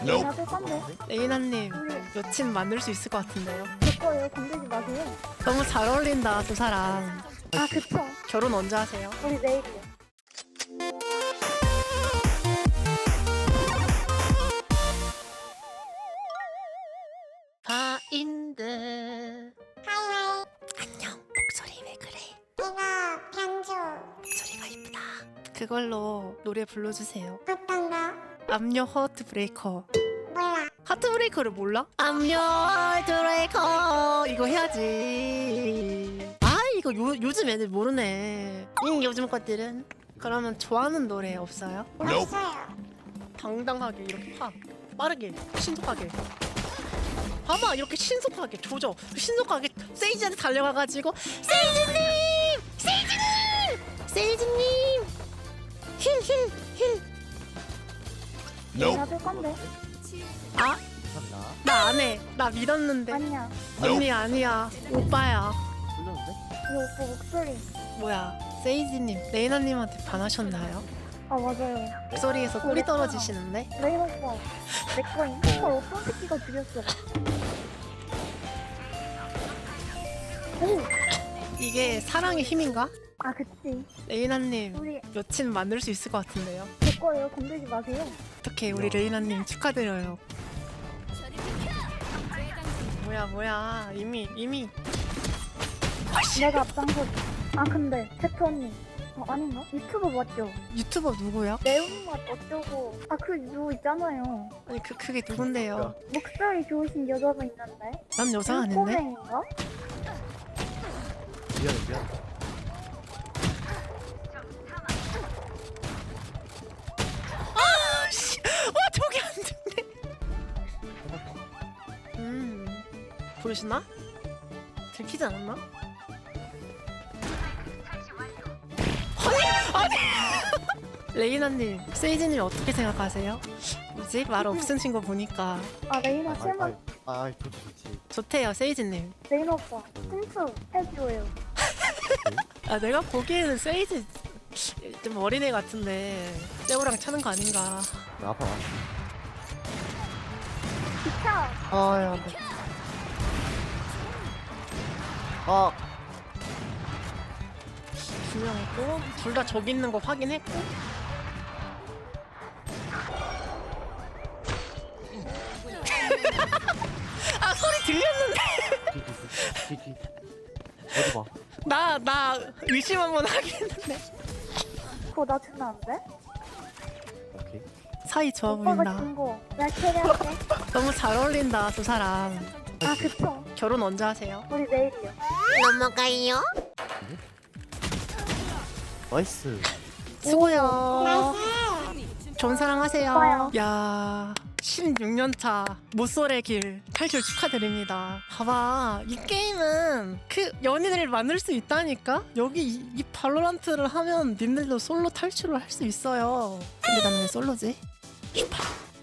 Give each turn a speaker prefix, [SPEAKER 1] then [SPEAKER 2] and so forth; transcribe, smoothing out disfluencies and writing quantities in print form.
[SPEAKER 1] 나도 싼데.
[SPEAKER 2] 레이나님 여친 만들 수 있을 것 같은데요?
[SPEAKER 1] 제 거예요. 건들지 마세요.
[SPEAKER 2] 너무 잘 어울린다 두 사람.
[SPEAKER 1] 아 그쵸.
[SPEAKER 2] 결혼 언제 하세요?
[SPEAKER 1] 우리 내일이요.
[SPEAKER 2] 바인드.
[SPEAKER 3] 하이하이.
[SPEAKER 2] 안녕. 목소리 왜 그래?
[SPEAKER 3] 이거 변주.
[SPEAKER 2] 목소리가 이쁘다. 그걸로 노래 불러주세요.
[SPEAKER 3] 어떤 거?
[SPEAKER 2] I'm your heartbreaker.
[SPEAKER 3] 몰라.
[SPEAKER 2] 하트브레이커를 몰라? I'm your heartbreaker. 이거 해야지. 아 이거 요즘 애들 모르네. 요즘 것들은. 그러면 좋아하는 노래 없어요?
[SPEAKER 3] 없어요.
[SPEAKER 2] 당당하게 이렇게 확 빠르게 신속하게 봐봐 이렇게 신속하게 조져 신속하게 세이지한테 달려가가지고 세이지님 힐
[SPEAKER 1] 나도 싼데.
[SPEAKER 2] 아? 나 안 해. 나 믿었는데.
[SPEAKER 1] 아니야.
[SPEAKER 2] 언니 아니야. 오빠야.
[SPEAKER 1] 이 오빠 목소리.
[SPEAKER 2] 뭐야. 세이지님, 레이나님한테 반하셨나요?
[SPEAKER 1] 아 맞아요.
[SPEAKER 2] 목소리에서 꿀이 떨어지시는데?
[SPEAKER 1] 레인 오빠. 내 거임. 헐 어떤 새끼가 죽였어. 오.
[SPEAKER 2] 이게 사랑의 힘인가?
[SPEAKER 1] 아 그치.
[SPEAKER 2] 레이나님,
[SPEAKER 1] 우리
[SPEAKER 2] 여친 만들 수 있을 것 같은데요?
[SPEAKER 1] 제 거예요. 건들지 마세요.
[SPEAKER 2] 어떡해, 우리 레이나님 축하드려요. 뭐야. 이미.
[SPEAKER 1] 내가 앞장서. 아 근데 세트 언니. 아닌가? 유튜버 맞죠?
[SPEAKER 2] 유튜버 누구야?
[SPEAKER 1] 매운맛 어쩌고. 아 그 누구 있잖아요.
[SPEAKER 2] 아니, 그게 누군데요?
[SPEAKER 1] 목소리 좋으신 여자분 있는데.
[SPEAKER 2] 난 여자 아닌데?
[SPEAKER 1] 콩콩인가?
[SPEAKER 4] 미안해.
[SPEAKER 2] 와, 저기 안 듣네. 부르시나? 들키지 않았나? 아니! 레이나님, 세이지님 어떻게 생각하세요? 뭐지? 말 없으신 거 보니까
[SPEAKER 1] 아 레이나 실물.
[SPEAKER 4] 좋지.
[SPEAKER 2] 좋대요, 세이지님.
[SPEAKER 1] 레이나 오빠 춤추 해줘요.
[SPEAKER 2] 아, 내가 보기에는 세이지 좀 어린애 같은데 떼우랑 차는 거 아닌가.
[SPEAKER 4] 나 아파.
[SPEAKER 1] 비켜.
[SPEAKER 4] 아야 안돼. 아
[SPEAKER 2] 분명했고 둘 다 저기 있는 거 확인했고 아 소리 들렸는데
[SPEAKER 4] 뒤. 어디 봐.
[SPEAKER 2] 나 의심 한번 하긴 했는데
[SPEAKER 1] 그거 나 주면 안 돼?
[SPEAKER 4] 오케이.
[SPEAKER 2] 사이 좋아
[SPEAKER 1] 오빠가
[SPEAKER 2] 보인다.
[SPEAKER 1] 준 거. 내가 캐리할게.
[SPEAKER 2] 너무 잘 어울린다 두 사람.
[SPEAKER 1] 아 그쵸.
[SPEAKER 2] 결혼 언제 하세요?
[SPEAKER 1] 우리 내일이요.
[SPEAKER 3] 넘어가요.
[SPEAKER 4] 나이스.
[SPEAKER 2] 수고요. 좋은 사랑 하세요.
[SPEAKER 1] 오빠요.
[SPEAKER 2] 야 16년차 모쏠의 길 탈출 축하드립니다. 봐봐 이 게임은 그 연인을 만들 수 있다니까. 여기 이 발로란트를 하면 님들도 솔로 탈출을 할 수 있어요. 근데 나는 왜 솔로지? 슈파.